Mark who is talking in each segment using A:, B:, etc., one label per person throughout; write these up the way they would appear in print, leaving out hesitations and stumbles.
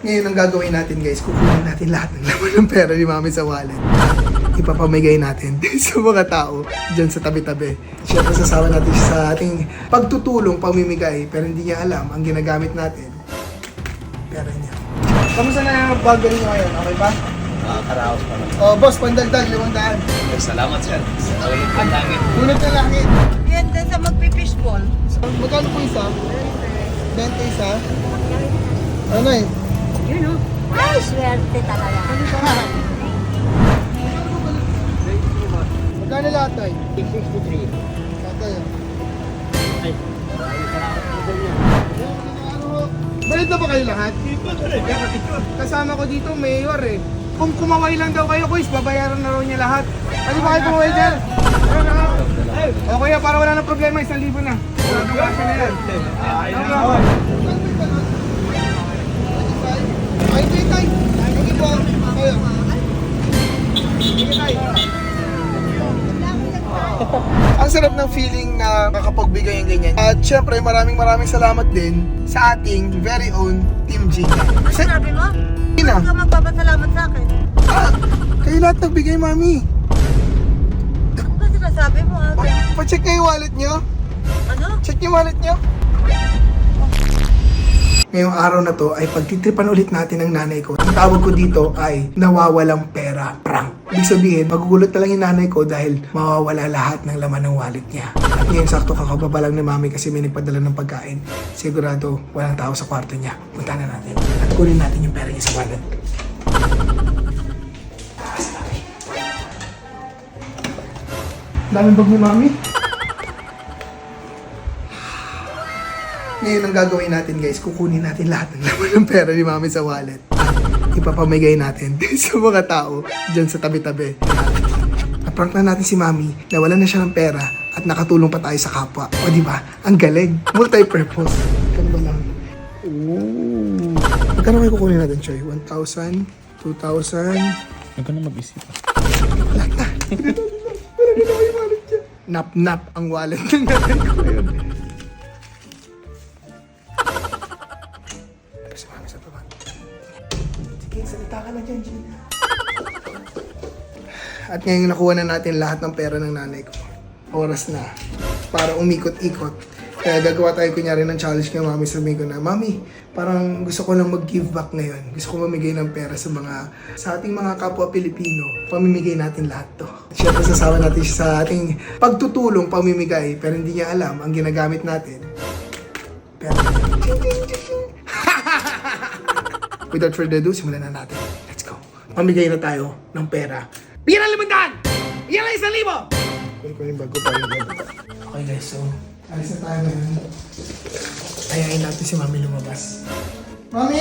A: Ngayon ang gagawin natin guys, kukunin natin lahat ng laman ng pera ni Mami sa wallet. Ipapamigay natin sa mga tao dyan sa tabi-tabi. Siyempre sasama natin siya sa ating pagtutulong, pamimigay, pero hindi niya alam ang ginagamit natin. Pera niya. Kamusta na yung bago niyo ngayon? Okay ba?
B: Karaos pa lang.
A: Oh, boss, pandagdag, 500.
B: Salamat sir. Okay, ang langit.
A: Unod na langit.
C: Yan din sa magpipishball.
A: Magkano po isa? 20 isa? Ano eh?
C: Yun o. Ay, swerte talaga.
A: Magkano lahat tayo?
B: 63.
A: Tatay.
B: Ay, maraming salamat po sa inyo.
A: Balid na ba kayo lahat? Kasama ko dito, mayor eh. Kung kumaway lang daw kayo, quiz, babayaran na raw niya lahat. Pwede ba kayo kumaway dyan? O kuya, para wala na problema, 1,000 na. Wala nang kasya na yan. Ay, hindi tayo. Hindi po. Kayo. Hindi tayo. Ang sarap ng feeling na makapagbigay ng ganyan. At syempre, maraming salamat din sa ating very own Team G.
C: Ano sabi mo?
A: Ina.
C: Huwag ka magpapasalamat sa akin.
A: Kayo lahat nagbigay, Mami.
C: Ano ba sinasabi mo?
A: Pa-check niyo yung wallet niyo.
C: Ano?
A: Check yung wallet niyo. Ngayong araw na to ay pagtitripan ulit natin ng nanay ko. Ang tawag ko dito ay nawawalang pera prank. Ibig sabihin, magugulat na lang yung nanay ko dahil mawawala lahat ng laman ng wallet niya. At ngayon sakto kakababa lang ni Mami kasi may nagpadala ng pagkain. Sigurado walang tao sa kwarto niya. Punta na natin at kunin natin yung pera niya sa wallet. Daming bag ni Mami. Ngayon ang gagawin natin guys, kukunin natin lahat ng laman ng pera ni Mami sa wallet. Ipapamigay natin sa mga tao dyan sa tabi-tabi. Na-prank na natin si Mami, nawalan na siya ng pera at nakatulong pa tayo sa kapwa. O diba? Ang galing. Multi-purpose. Kano ba lang? Ooh. Magkano kayo kukunin natin, Choy? 1,000? 2,000?
B: Huwag ka na mag-isip.
A: Wala na. Wala na yung wallet niya. Nap-nap ang wallet ng natin ko ngayon. Salita ka na dyan, Gina. At ngayon nakuha na natin lahat ng pera ng nanay ko. Oras na para umikot-ikot. Kaya gagawa tayo kunyari ng challenge kay Mami. Sabihin ko na, Mami, parang gusto ko lang mag-give back ngayon. Gusto ko mamigay ng pera sa ating mga kapwa Pilipino. Pamimigay natin lahat to. Siyempre sasama natin siya sa ating pagtutulong, pamimigay. Pero hindi niya alam ang ginagamit natin. Pero, without further ado, simulan na natin. Let's go. Mamigay na tayo ng pera. Bigyan ng 500! Bigyan ng 1,000! Kunin ko yung bag ko para yung bag. Okay guys, so alis na tayo ngayon. Ayayin natin si Mami lumabas. Mami!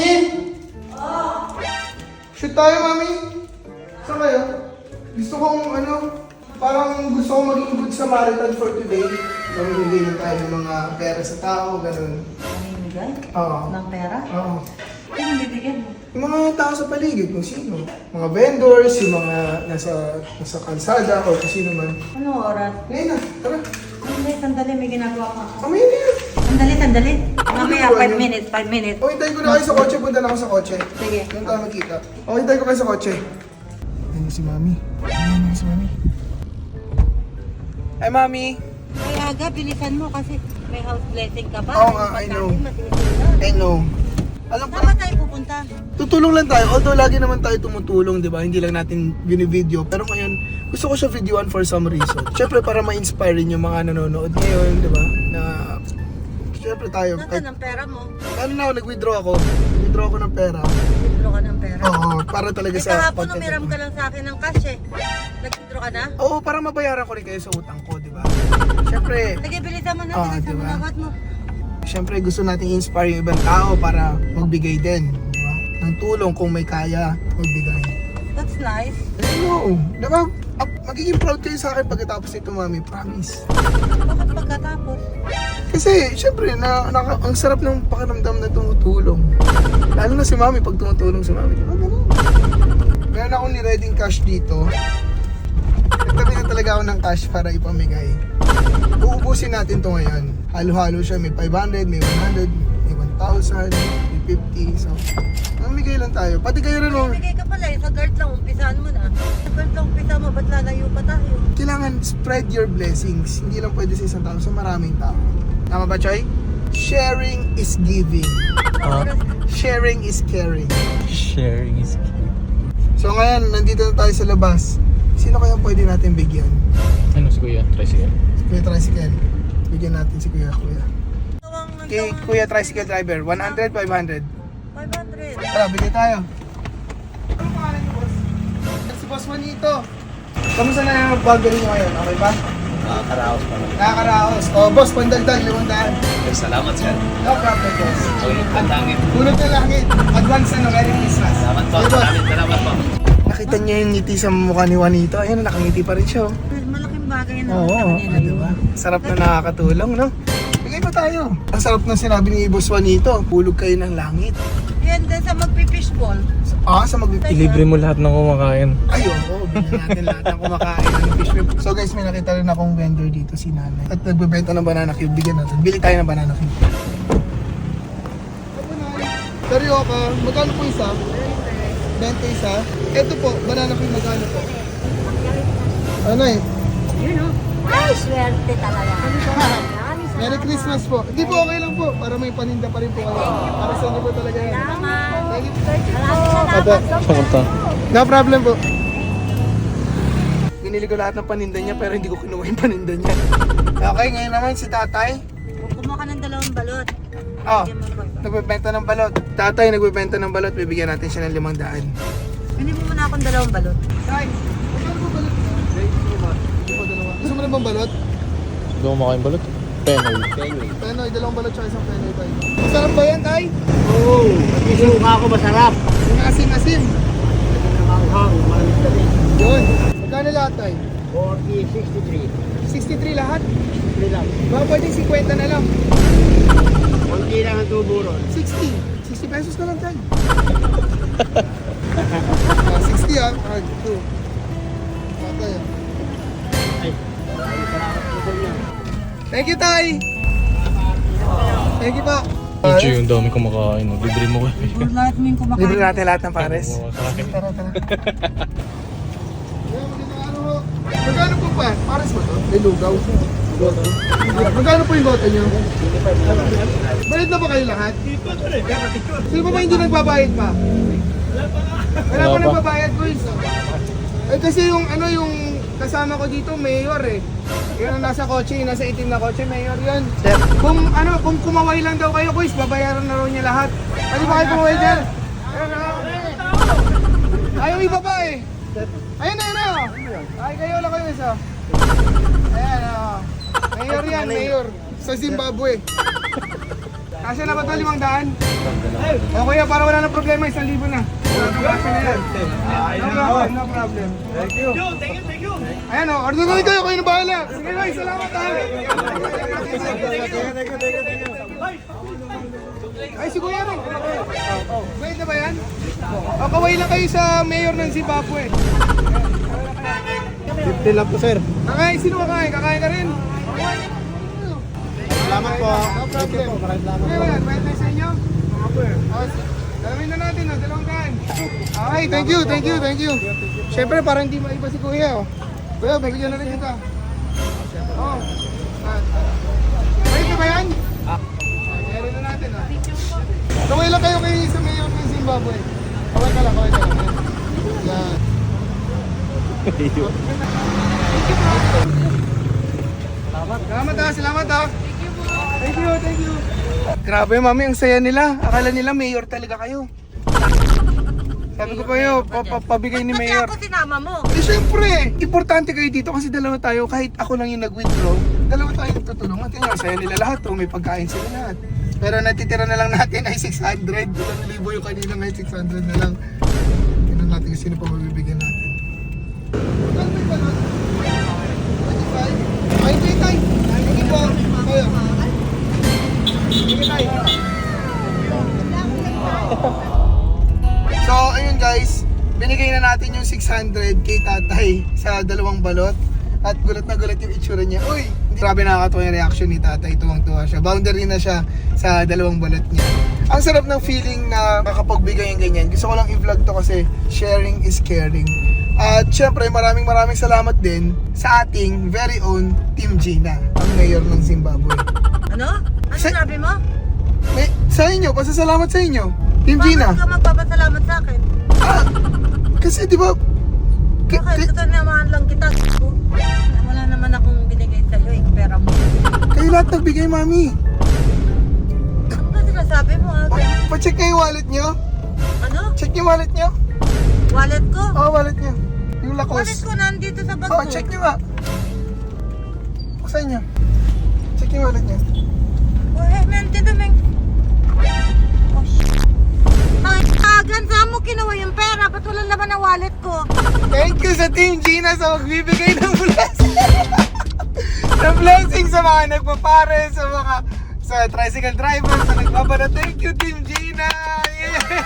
A: Shoot tayo, Mami! Saan kayo? Gusto kong parang gusto kong maging good Samaritan for today. Mamimigay na tayo ng mga pera sa tao, ganun.
C: Mamimigay?
A: Oo.
C: Ng pera?
A: Oo.
C: Ano bibigyan mo?
A: Yung mga tao sa paligid, kung sino. Mga vendors, yung mga nasa kalsada, o kung sino man.
C: Anong oras?
A: Ngayon na, tara.
C: Sandali, may ginagawa ka.
A: Kamay na yan.
C: Sandali. Mamaya, 5 minutes.
A: O, hintayin ko na kayo sa kotse. Punta na ako sa kotse.
C: Sige.
A: Doon tayo magkita. O, hintayin ko kayo sa kotse. Ayun si Mami. Ayun si Mami. Hi, Mami.
C: Ay, aga, bilisan mo kasi may house blessing ka pa.
A: Oo nga, I know. I know. Alam ko,
C: Saan ba tayo pupunta?
A: tutulong lang tayo. Although lagi naman tayo tumutulong, di ba? Hindi lang natin binivideo. Pero ngayon, gusto ko siya videoan for some reason. Siyempre, para ma-inspire rin yung mga nanonood ngayon, di ba? Na, siyempre tayo.
C: Nasaan ang pera mo?
A: Ano na ako, nag-withdraw ako. Nag-withdraw ako ng pera.
C: Withdraw ka ng pera.
A: Oo, para talaga sa...
C: Kahapon umiram ka lang sa akin ng cash eh. Nag-withdraw ka na?
A: Oo, para mabayaran ko rin kayo sa utang ko, di ba? Siyempre,
C: Sige, bilisan mo na.
A: Ah,
C: Bilisan mo
A: diba?
C: na. What mo?
A: siyempre gusto natin i-inspire yung ibang tao para magbigay din, di ba? Ng tulong kung may kaya magbigay.
C: That's nice.
A: No, di ba? Magiging proud kayo sa akin pagkatapos nito, Mami. Promise.
C: Bakit pagkatapos?
A: Kasi, syempre, ang sarap ng pakiramdam na tumutulong. Lalo na si Mami, pag tumutulong si Mami. Di ba? Ganun. Meron akong ni-reading cash dito. Nagtabi na talaga ako ng cash para ipamigay. Uubusin natin to ngayon. Halo-halo siya. May 500, may 100, may 1,000, may 550. So, mamigay lang tayo. Pati kayo rin, oh.
C: Bigay ka pala eh. Sa guard lang, umpisahan mo na. Sa guard lang umpisa mo, ba't lalayo pa tayo?
A: Kailangan spread your blessings. Hindi lang pwede sa isang tao, sa maraming tao. Tama ba, Choy? Sharing is giving. Sharing is caring.
B: Sharing is key.
A: So ngayon, nandito na tayo sa labas. Sino kaya pwede natin bigyan?
B: Ano si Kuya? Tricycle?
A: Si Kuya Tricycle. Bigyan natin si Kuya.
C: Ang
A: Kay Kuya Tricycle Driver, 100, 500.
C: 500.
A: Tara, bigay tayo. Ano pangalan niyo, boss? Si Boss Juanito. Kamusta na yung burger niyo ngayon? Okay ba?
B: Nakakaraos pa lang.
A: Nakakaraos. O, boss, pandagdag, 500.
B: Salamat sir.
A: No problem, boss.
B: Tulog ka langit.
A: Tulog na langit. Advance na, Merry Christmas.
B: Salamat po.
A: Okay, boss.
B: Salamat po.
A: Nakita niyo yung ngiti sa mukha ni Juanito. Ayun, nakangiti pa rin siya. Oh.
C: Malaking bagay na
A: Oo,
C: nila yun.
A: diba? Sarap na nakakatulong, no? Bigay pa tayo. Ang sarap na sinabi ni Boss Juanito. Hulog kayo ng langit.
C: Yan din sa magpipishball.
A: Sa magpipilibre.
B: Ilibre mo lahat ng kumakain.
A: Ayun, bigyan natin lahat ng kumakain ng fish whip. So guys, may nakita rin akong vendor dito, si Nanay. At nagbebenta ng banana cube. Bigyan natin. Bili tayo ng banana cube. Karyoka, magkano po isa? 20 isa. Ito po, banana cube magkano po? Ano eh?
C: Yun o. Ay, swerte talaga.
A: Merry Christmas po. Hindi po, okay lang po. Para may paninda pa rin po kayo. Para sa inyo po talaga yan. Thank you.
B: Samunta.
A: No problem po. Binili ko lahat ng paninda niya pero hindi ko kinuha yung paninda niya. Okay, ngayon naman si tatay.
C: Kumuha ka ng 2 balot.
A: Oh,
C: Bigyan mo pa iba.
A: nagbebenta ng balot. Tatay nagbebenta ng balot. Bibigyan natin siya ng 500.
C: Bili mo muna akong 2 balot.
A: Tay, magkano po balot niya? Gusto mo na bang balot?
B: Hindi ko kumakain balot. Penoy.
A: Penoy, 2 balot siya, isang penoy tayo. Masarap ba yan, tay?
B: Oo. Isuka ako masarap.
A: Yung asim-asim.
B: Hanghang. Malamig kami.
A: Yun. Magkano lahat, tay?
B: 40, 63.
A: 63 lahat?
B: 63 lang.
A: Baka pwede 50 na lang.
B: Kunti lang ang tubo ron.
A: 60. 60 pesos na lang, tay. 60 ah. Ah, 2. Tatay ah.
B: Ay. Salamat po sa inyo.
A: Thank you, tay. Thank you po.
B: Medyo yung dami kumakain. Libre mo ko.
C: Lahat mo yung kumakain.
A: Libre natin lahat ng pares.
B: Kumakain.
A: Tara, tara. Magkano po pa? Pares mo to? May lugaw. Magkano po yung bote nyo? Bayad na ba kayo lahat? Sino pa ba hindi nagbabayad pa? Wala pa nagbabayad, boys. Eh kasi yung ano yung kasama ko dito, mayor eh. Yun ang nasa kotse, yung nasa itim na kotse, mayor yan. Kung kumaway lang daw kayo, boys, babayaran na raw niya lahat. Pwede ba kayo kumaway dyan? Ayaw iba pa eh. Ayun na yun oh. Ay, kayo lang kayo isa. Ayan oh. Mayor yan, mayor. Sa Zimbabwe. Kasya na ba ito, 500? O kuya, para wala na problema, 1,000 na. Kasya na yan. No problem. Thank you. Thank you. Ayan o, order na kayo na bahala. Sige guys, salamat ha. Ay, si kuya rin. Wait na ba yan? O, kaway lang kayo sa mayor ng Zimbabwe.
B: 50 lang po sir.
A: Kakain, sino kakain? Kakain ka rin?
B: Salamat po.
A: No problem. Okay ba yan? Pwede tayo sa inyo? Dalawin na natin, 200. Okay, thank you. Siyempre, parang hindi maiba si Kuya. Oh. Kuya, bigyan na rin kita. Oh. Pwede ba yan? Meron na natin. Kaway lang kayo kayo sa mayor ng Zimbabwe. Kaway ka lang. Yan. Salamat ha. Thank you. Grabe mami, ang saya nila. Akala nila mayor talaga kayo. Sabi ko pa yun, pabigay ni
C: Ba't
A: mayor.
C: ako sinama mo?
A: Eh syempre, importante kayo dito kasi dalawa tayo. Kahit ako lang yung nag-withdraw, dalawa tayo nagtutulungan. Tingnan, saya nila lahat. May pagkain sila lahat. Pero natitira na lang natin ay 600. 1,000 yung kanina ngayon, 600 na lang. Tingnan natin kung sino pa mabibigyan natin. Magkano ba yung balot? 25? Ay, hindi tayo. Hindi po. Kaya. Sige tayo. So, ayun guys. Binigay na natin yung 600 kay tatay sa 2 balot. At gulat na gulat yung itsura niya. Uy! Grabe nakakatuwa yung reaction ni tatay. Tuwang-tuwa siya. Boundary na siya sa dalawang balot niya. Ang sarap ng feeling na makapagbigay yung ganyan. Gusto ko lang i-vlog to kasi sharing is caring. At syempre maraming salamat din sa ating very own Team Gina, ang mayor ng Zimbabwe.
C: Ano? Ano sabi mo?
A: Sa inyo, pasasalamat sa inyo. Team Gina.
C: Bakit ka magpapasalamat sa akin?
A: Kasi di ba...
C: Bakit? Ito naman lang kita. Wala naman akong binigay sa'yo eh. Pera mo.
A: Kayo lahat nagbigay, mami.
C: Ano ba sinasabi mo?
A: Pa-check niyo yung wallet niyo.
C: Ano?
A: Check yung wallet niyo.
C: Wallet ko?
A: Oo, wallet niyo. Yung lakos.
C: Wallet ko nandito sa bag
A: Oo,
C: ko.
A: check niyo nga. Buksan niyo. Check yung wallet niyo.
C: Nandito may... Oh, shit. Ay, kagan, saan mo kinuha yung pera? Ba't wala naman ang wallet ko?
A: Thank you sa Team Gina sa magbibigay ng blessing. ng blessing sa mga nagpapare, sa mga tricycle driver, sa nagbabara. Thank you, Team Gina! Yeah!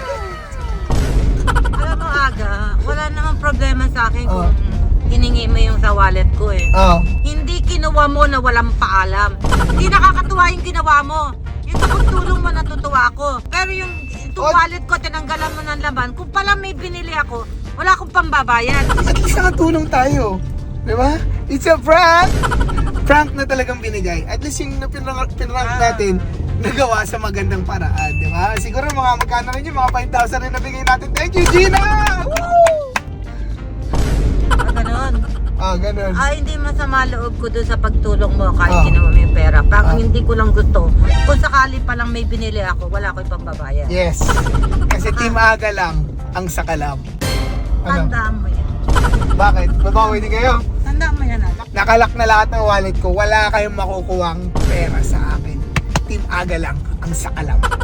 C: Alam mo, Aga, wala namang problema sa akin
A: Oh.
C: kung hiningi mo yung sa wallet ko eh.
A: Oo.
C: Hindi kinuha mo na walang paalam. Hindi nakakatuwa yung ginawa mo. Yung tulong mo natutuwa ako. Pero yung wallet ko, tinanggalan mo ng laman. Kung pala may binili ako, wala akong pambabayad.
A: At least nakatulong tayo. Di ba? It's a prank! Prank na talagang binigay. At least yung pinrank natin, nagawa sa magandang paraan. Di ba? Siguro mga magkano rin yun, mga 5,000 rin nabigay natin. Thank you, Gina! Woo!
C: Ganon.
A: Ganun.
C: Hindi masama loob ko doon sa pagtulong mo kahit
A: Ah.
C: kinuha mo yung pera. Parang hindi ko lang gusto. Kung sakali pa lang may binili ako, wala ko yung pambabayad.
A: Yes. Kasi Team Aga lang ang sakalam. Ano?
C: Tandaan mo yan.
A: Bakit? Babawi din kayo?
C: Tandaan mo yan, anak.
A: Nakalak na lahat ng wallet ko. Wala kayong makukuwang pera sa akin. Team Aga lang ang sakalam.